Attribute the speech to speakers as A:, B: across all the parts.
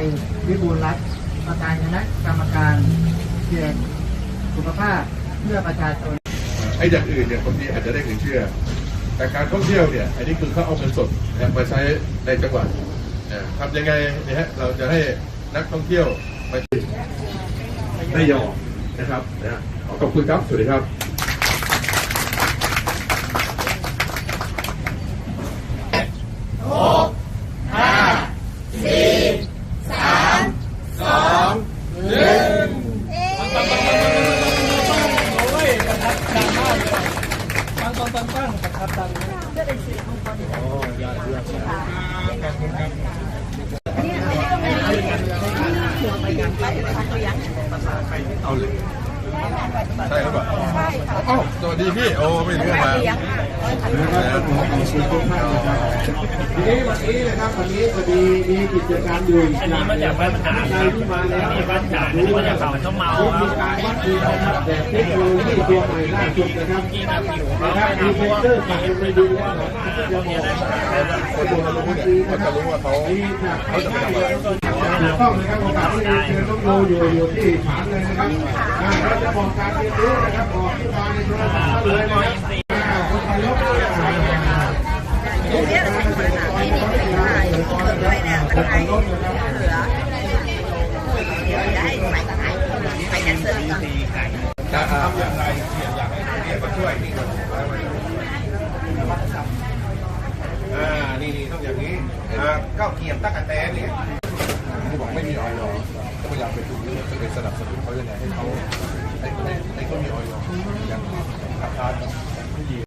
A: วิบูลย์รัตน์ประธานคณะกรรมการเขตสุขภาพเพื่อประชาชน
B: ไอ้อย่างอื่นเนี่ยบางทีอาจจะได้เงินเชื่อแต่การท่องเที่ยวเนี่ยอันนี้คือเขาเอาเงินสดมาใช้ในจังหวัดทำยังไงเนี่ยฮะเราจะให้นักท่องเที่ยวไปได้ยอมนะครับขอบคุณครับสวัสดีครับเอาเลยใช่หรือเปล่าใช่ค่ะอ้าวสวัสดีพี่โอ้ไม่รู้มาทีนี้วันนี้นะครับวันนี้พอดีมีกิจกรรมอยู่อันนี้มาจากบ้านมหาใครที่มาแล้วบ้านจ่าอันนี้มาจากเขาต้มเมามีการวัดคุณภาพแบบเทคโนโลยีตัวใหม่ล่าสุดนะครับมีเซ็นเซอร์สั่งไปดูว่าจะมองคนดูรู้เนี่ยเขาจะรู้ว่าเขาจะไม่ทำอะไรถูกต้องนะครับโอกาสที่เชิญต้องดูอยู่ที่ฐานเลยนะครับเราจะบอกการเรียนรู้นะครับบอกที่มาในโทรศัพท์เลยนะครับคนไทยยกตัวอย่าง
C: เนี่ยที่นี่คือถ่ายที่เกิดด้วยเนี่ยมันถ่ายเหลือเดี๋ยวจะให้ใส่แคนเซอร์ก่อน
B: จะทำอย่างไรอยากให้เรียนมาช่วยนี่นี่ต้องอย่างนี้ก้าวเกียบตั้งแต่แตนเนี่ยที่บอกไม่มีออยล์ก็พยายามไปดูจะไปสนับสนุนเขายังไงให้เขาให้เขามีออยล์อย่างราคาไม่ดี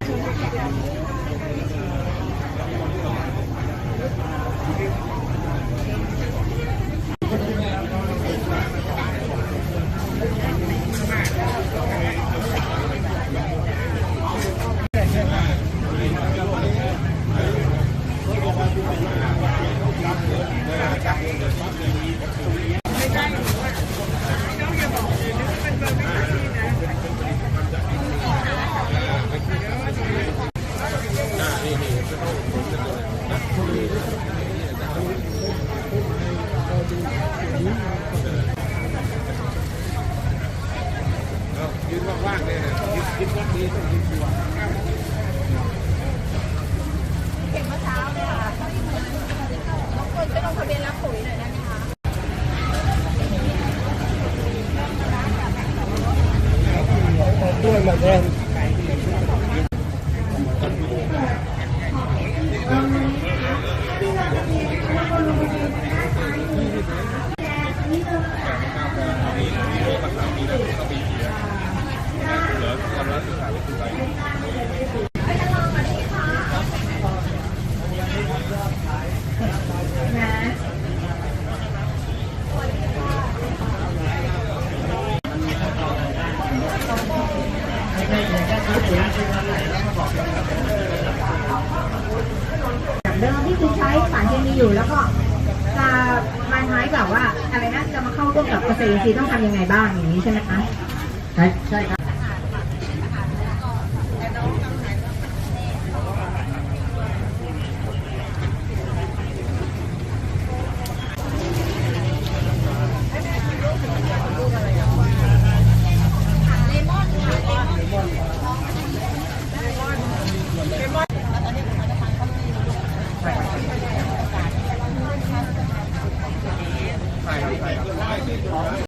B: ยืนว่างๆเลยนะยืนวัดดีต้องยืนตัว
C: เก็บเมื่อเช้าเลยค่ะบางคนไปลงทะเบียนรับปุ๋ยหน่อยได้ไหมคะ
A: ด้วยมาแทน
D: เดิมที่คือใช้สารเคมีอยู่แล้วก็จะมาใช้แบบว่าอะไรนะจะมาเข้าร่วมกับเกษตรอินทรีย์ต้องทำยังไงบ้างอย่างนี้ใช่ไหมคะ
A: ใช่ครับ